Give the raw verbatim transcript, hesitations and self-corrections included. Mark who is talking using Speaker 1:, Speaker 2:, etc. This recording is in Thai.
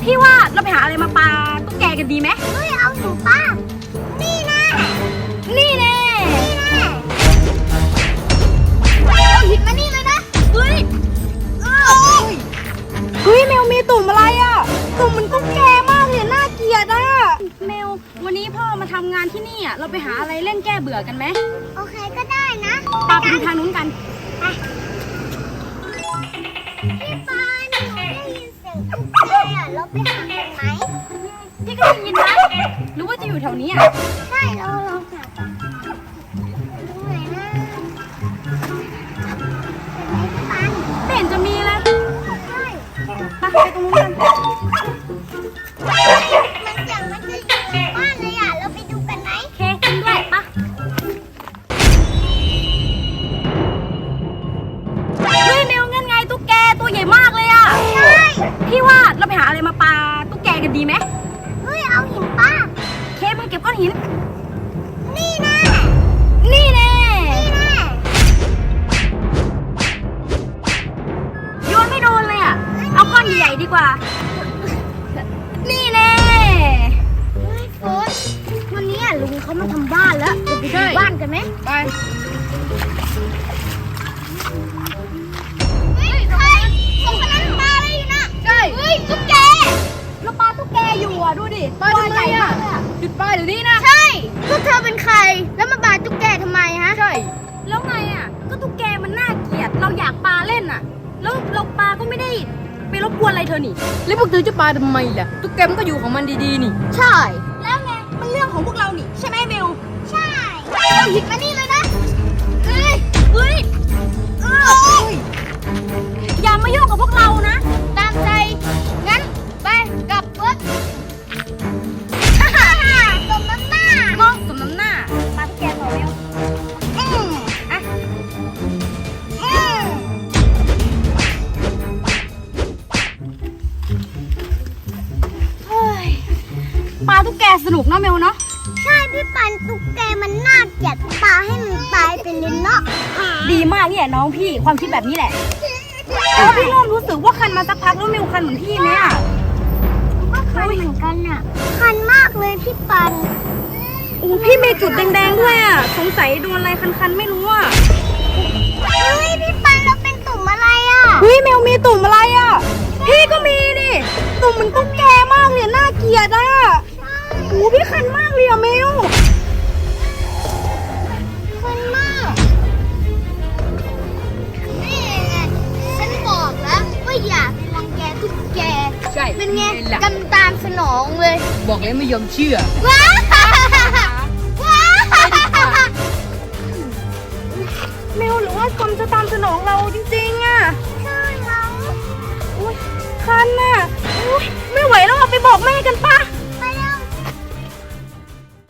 Speaker 1: พี่ว่าเราไปหาอะไรมาปาตุ๊กแกกันดีไหม
Speaker 2: เฮ้ยเอาหนูป้านี่แน่
Speaker 1: นี่แน่
Speaker 2: นี่แน่เอาหินมานี่เลยนะ
Speaker 1: เฮ้ย
Speaker 2: เออ
Speaker 1: เฮ้ยแมวมีตุ่มอะไรอ่ะตุ่มมันตุ๊กแกมากเลยน่าเกลียดอ่ะแมววันนี้พ่อมาทำงานที่นี่อ่ะเราไปหาอะไรเล่นแก้เบื่อกันไหม
Speaker 2: โอเคก็ได้นะ
Speaker 1: ปาไปดูทางนู้นกัน
Speaker 2: ไปพี่ปานหนูได้ยินเสียงตุ๊กแกอ่ะเราไปหากันไหม
Speaker 1: พี่ก็ได้ยินนะหรือว่าจะอยู่แถวนี้อ่ะ
Speaker 2: ใช่เราลองหาตรงไหนนะ
Speaker 1: ไม่เห็นจะมีเลย
Speaker 2: ใช่
Speaker 1: ไปไปตรงนู้นกัน
Speaker 2: มันเสียงมันจะอยู่ในบ้านเลยอ่ะเราไปดูกันไหม
Speaker 1: เคกินด้วยปะเฮ้ยแมวงั้นไงตุ๊กแกตัวใหญ่มากเลยอ่ะ
Speaker 2: ใช่
Speaker 1: พี่ว่าเราไปหาอะไรมาปาตุ๊กแกกันดีไหม
Speaker 2: เฮ้ยเอาหินป้า
Speaker 1: เคมาเก็บก้อนหิน
Speaker 2: นี่แน่
Speaker 1: นี่แน่
Speaker 2: นี่แน่
Speaker 1: โยนไม่โดนเลยอ่ะเอาก้อนใหญ่ๆดีกว่านี่แน่
Speaker 2: เฮ้ยโฟนวันนี้ลุงเขามาทำบ้านแล้วจะไปดูบ้านกันไหม
Speaker 1: ไป
Speaker 2: เฮ้ยใครสองคนนั้นปลาอะไรอยู่นะ
Speaker 1: ใช่
Speaker 2: เฮ้ยตุ๊กแก
Speaker 1: เราปาตุ๊กแกอยู่อ่ะดูดิตัวใหญ่มากเลยอ่ะหยุดปาเดี๋ยวนี้นะ
Speaker 2: ใช่พวกเธอเป็นใครแล้วมาปาตุ๊กแกทำไมฮะ
Speaker 1: ใช่แล้วไงอ่ะก็ตุ๊กแกมันน่าเกลียดเราอยากปาเล่นอ่ะแล้วเราปาก็ไม่ได้ไปรบกวนอะไรเธอนี่แล้วพวกเธอจะปาทำไมล่ะตุ๊กแกมันก็อยู่ของมันดีๆนี่
Speaker 2: ใช่
Speaker 1: แล้วไงมันเรื่องของพวกเรานี่ใช่ไหมเบล
Speaker 2: ใช่เอาหินมานี่เลยนะเฮ้ย
Speaker 1: เฮ้ย
Speaker 2: เออ
Speaker 1: อย่ามายุ่งกับพวกเรานะ
Speaker 2: ตามใจงั้นไปกลับรถสมน้ำหน้าม
Speaker 1: องสมน้ำหน้าปาตุ๊กแกต่อเบล
Speaker 2: อืม
Speaker 1: อ่ะ
Speaker 2: อืม
Speaker 1: เฮ้ยปาตุ๊กแกสนุกเนาะเมลเนาะ
Speaker 2: ใช่พี่ปันตุ๊กแกมันน่าเกลียดปลาให้มันตายไปเลยเนาะ
Speaker 1: ดีมากเนี่ยน้องพี่ความคิดแบบนี้แหละแต่ว่าพี่เริ่มรู้สึกว่าคันมาสักพักแล้วเมลคันเหมือนพี่ไหมอ่ะ
Speaker 2: ก็คันเหมือนกันอ่ะคันมากเลยพี่ปัน
Speaker 1: โอ้พี่มีจุดแดงๆด้วยอ่ะสงสัยโดนอะไรคันๆไม่รู้อ่ะ
Speaker 2: เฮ้ยพี่ปันเราเป็นตุ่มอะไรอ่ะ
Speaker 1: เฮ้ยเมลมีตุ่มอะไรอ่ะพี่ก็มีดิตุ่มมันตุ๊กแกมากเลยน่าเกลียดอ่ะโอ้พี่คันมากเลยอะเมล
Speaker 2: คันมากนี่ไงฉันบอกแล้วว่าอย่าไปรังแกตุ๊กแก
Speaker 1: ใช่
Speaker 2: เป็นไงกำตามสนองเลย
Speaker 1: บอกแล้วไม่ยอมเชื่อ
Speaker 2: ว้าว้า
Speaker 1: เมลหรือว่ากรมจะตามสนองเราจริงๆอ่ะ
Speaker 2: ใช่แล้ว
Speaker 1: อุ้ยคันน่ะอุ้ยไม่ไหวแล้วอะไปบอกแม่กันปะ